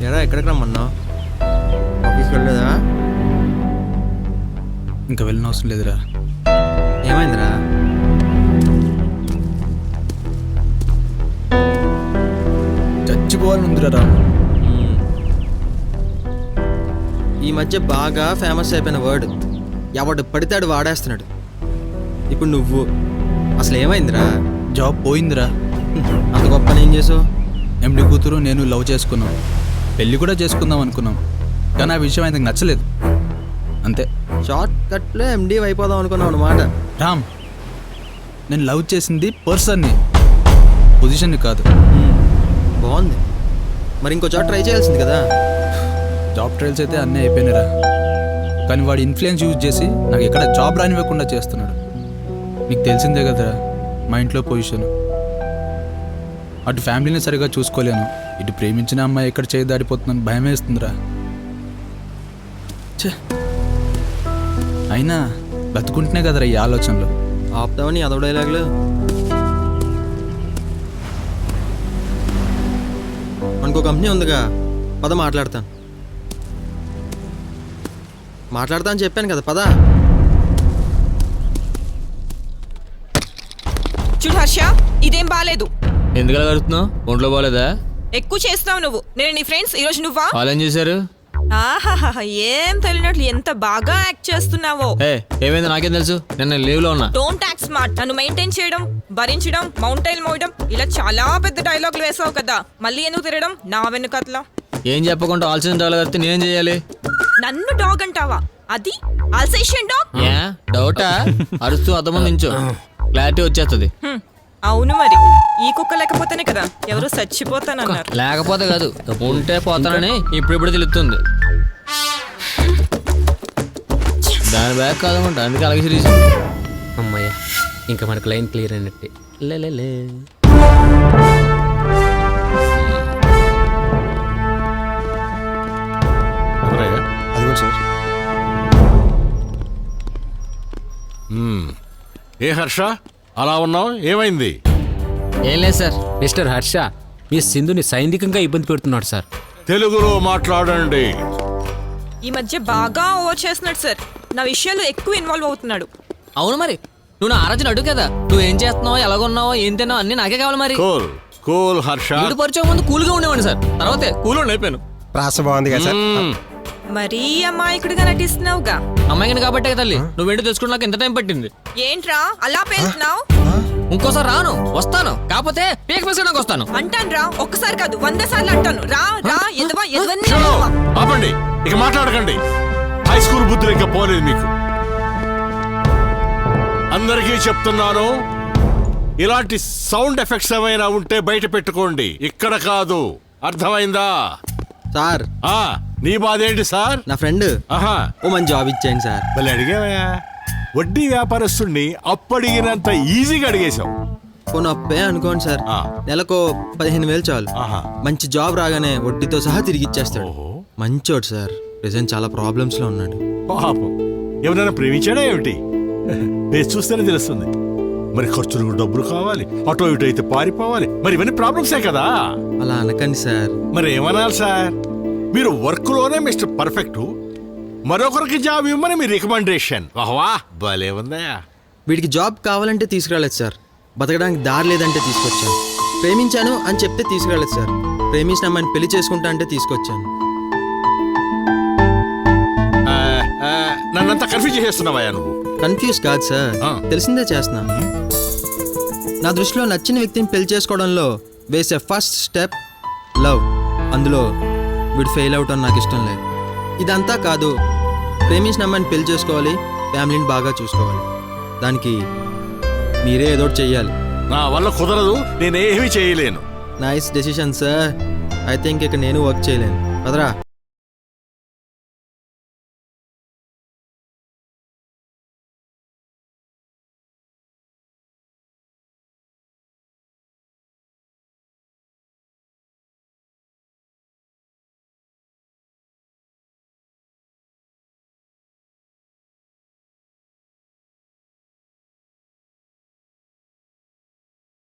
ఎరా ఎక్కడికి రమ్మన్నావు? ఆఫీస్కి వెళ్ళలేదా? ఇంకా వెళ్ళిన అవసరం లేదురా. ఏమైందిరా? చచ్చిపోవాలని ఉందిరా రాము. ఈ మధ్య బాగా ఫేమస్ అయిపోయిన వర్డ్ ఎవడు పడితే వాడేస్తున్నాడు. ఇప్పుడు నువ్వు అసలు ఏమైందిరా? జాబ్ పోయిందిరా. అంత గొప్ప ఏం చేసావు? ఎండి కూతురు నేను లవ్ చేసుకున్నాం, పెళ్ళి కూడా చేసుకుందాం అనుకున్నాం, కానీ ఆ విషయం ఆయనకు నచ్చలేదు. అంతే. షార్ట్ కట్లో ఎండి అయిపోదాం అనుకున్నావు అన్నమాట. రామ్, నేను లవ్ చేసింది పర్సన్ని, పొజిషన్ని కాదు. బాగుంది. మరి ఇంకో చోట ట్రై చేయాల్సింది కదా. జాబ్ ట్రయల్స్ అయితే అన్నీ అయిపోయినారా, కానీ వాడి ఇన్ఫ్లుయెన్స్ యూజ్ చేసి నాకు ఎక్కడ జాబ్ రానివ్వకుండా చేస్తున్నాడు. నీకు తెలిసిందే కదరా మా ఇంట్లో పొజిషన్. అటు ఫ్యామిలీని సరిగా చూసుకోలేను, ఇటు ప్రేమించిన అమ్మాయి ఎక్కడ చేయి దాడిపోతుందని భయం వేస్తుందిరా. అయినా బతుకుంటేనే కదరా ఈ ఆలోచనలు. ఆపుతావని అదవ డైలాగులు. మనకు కంపెనీ ఉందిగా, పద మాట్లాడతాను అని చెప్పాను కదా, పద. చూడు హర్ష, ఇదేం బాలేదు. ఎందుకలా కడుతున్నావు? ఒంట్లో బాగాలేదా? ఎక్కువ చేస్తున్నావు నువ్వు. నేను నీ ఫ్రెండ్స్, ఈరోజు నువ్వా? వాళ్ళు ఏం చేశారు? ఆహాహా, ఏం తెలియనట్లు ఎంత బాగా యాక్ట్ చేస్తున్నావో. ఏమైంది నాకేం తెలుసు, నేను లీవ్ లో ఉన్నా. Don't act smart. నన్ను మెయింటైన్ చేయడం, భరించడం, మౌంటైన్ మోయడం, ఇలా చాలా పెద్ద డైలాగులు వేసావు కదా, మళ్ళీ ఎందుకు తిరగడం నా వెనుకట్లా? ఏం చెప్పకుండా ఆల్సిన డౌల్ కడితే నేనేం చేయాలి? నన్ను డాగ్ అంటావా? అది ఆల్సేషియన్ డాగ్. డౌటా? అరుస్తూ అర్థం నించో, క్లారిటీ వచ్చేస్తుంది. అవును, మరి ఈ కుక్క లేకపోతేనే కదా ఎవరు చచ్చిపోతానన్నారు. లేకపోతే కాదు, ఉంటే పోతానని ఇప్పుడు తెలుస్తుంది. దాని బ్యాగ్ కాదనుకుంటా, అందుకే అలాగే సిరీస్. అమ్మయ్య, ఇంకా మనకు లైన్ క్లియర్ అయినట్టే. లే అదిగో సార్. ఏ హర్ష అలా ఉన్నావు, ఏమైంది? ఏం లేదు సార్. మిస్టర్ హర్ష, మీ సింధుని సైనికంగా ఇబ్బంది పెడుతున్నాడు సార్. తెలుగులో మాట్లాడండి. ఈ మధ్య బాగా ఓవర్ చేస్తున్నాడు సార్. నా విషయాలు ఎక్కువ ఇన్వాల్వ్ అవుతున్నాడు. అవును, మరి నువ్వు నా ఆరాధన అడుగు కదా, నువ్వేం చేస్తున్నావు, ఎలాగున్నావో, ఏం తిన్నావు అన్ని నాకే కావాలి. మరి కూల్ కూల్ హర్ష. వీడు పరిచయం ముందు కూల్గా ఉండేవాడిని సార్, తర్వాతే కూల్ అయిపోయాను. ప్రాస బాగుంది కదా సార్. మరీ అమాయకుడిగా నటిస్తున్నావుగా. అమ్మాయిని కాబట్టే తల్లి నువ్వేంటో తెలుసుకుని నాకు ఎంత టైం పట్టింది. ఏంట్రా అలా పేలుతున్నావు? ఇంకోసారి రాను, వస్తాను, కాకపోతే పీక పీసడానికి వస్తాను. అంటాను రా, ఒక్కసారి కాదు 100 సార్లు అంటాను. రా రా, ఆపండి, ఇక మాట్లాడకండి. హై స్కూల్ బుద్ధులు ఇంకా పోలేదు మీకు. అందరికీ చెప్తున్నాను, ఇలాంటి సౌండ్ ఎఫెక్ట్స్ ఏమైనా ఉంటే బయట పెట్టుకోండి, ఇక్కడ కాదు. అర్థమైందా సార్? నీ బాధ ఏంటి సార్? నా ఫ్రెండ్ ఓ మంచి జాబ్ ఇచ్చాను సార్. మళ్ళీ అడిగావా? వడ్డీ వ్యాపారస్తుడిని అప్పడిగినంత ఈజీగా అడిగేశావు. కొన్ని అప్పే అనుకోండి సార్, నెలకు 15,000 చాలు. మంచి జాబ్ రాగానే వడ్డీతో సహా తిరిగి ఇచ్చేస్తాడు. మంచోడు సార్. ప్రెసెంట్ చాలా ప్రాబ్లమ్స్ లో ఉన్నాడు. పాపం, ఎవరైనా ప్రేమించాడా ఏమిటి? పేరు చూస్తేనే తెలుస్తుంది. మరి ఖర్చులకు డబ్బులు కావాలి, అటో ఇటు అయితే పారిపోవాలి, మరి ఇవన్నీ ప్రాబ్లమ్సే కదా. అలా అనకండి సార్. మరి ఏమనాలి సార్? మీరు వర్క్ లోనే మిస్టర్ పర్ఫెక్ట్, మరొకరికి జాబ్ ఇవ్వమని మీ రికమెండేషన్. వాహ్వా, భలే ఉందా. వీడికి జాబ్ కావాలంటే తీసుకురాలేదు సార్, బతకడానికి దారి లేదంటే తీసుకొచ్చాను. ప్రేమించాను అని చెప్తే తీసుకురాలేదు సార్, ప్రేమించిన అమ్మాయిని పెళ్లి చేసుకుంటా అంటే తీసుకొచ్చాను. నన్నంతా కన్ఫ్యూజ్ చేస్తున్నావా నువ్వు? కన్ఫ్యూజ్ కాదు సార్, తెలిసిందే చేస్తున్నా. నా దృష్టిలో నచ్చిన వ్యక్తిని పెళ్లి చేసుకోవడంలో వేసే ఫస్ట్ స్టెప్ లవ్. అందులో వీడు ఫెయిల్ అవటం నాకు ఇష్టం లేదు. ఇదంతా కాదు, ప్రేమించిన అమ్మాయిని పెళ్లి చేసుకోవాలి, ఫ్యామిలీని బాగా చూసుకోవాలి. దానికి మీరే ఏదో చెయ్యాలి. నా వల్ల కుదరదు, నేనేమీ చేయలేను. Nice decision sir. I think ఇక నేను వర్క్ చేయలేను. పదరా.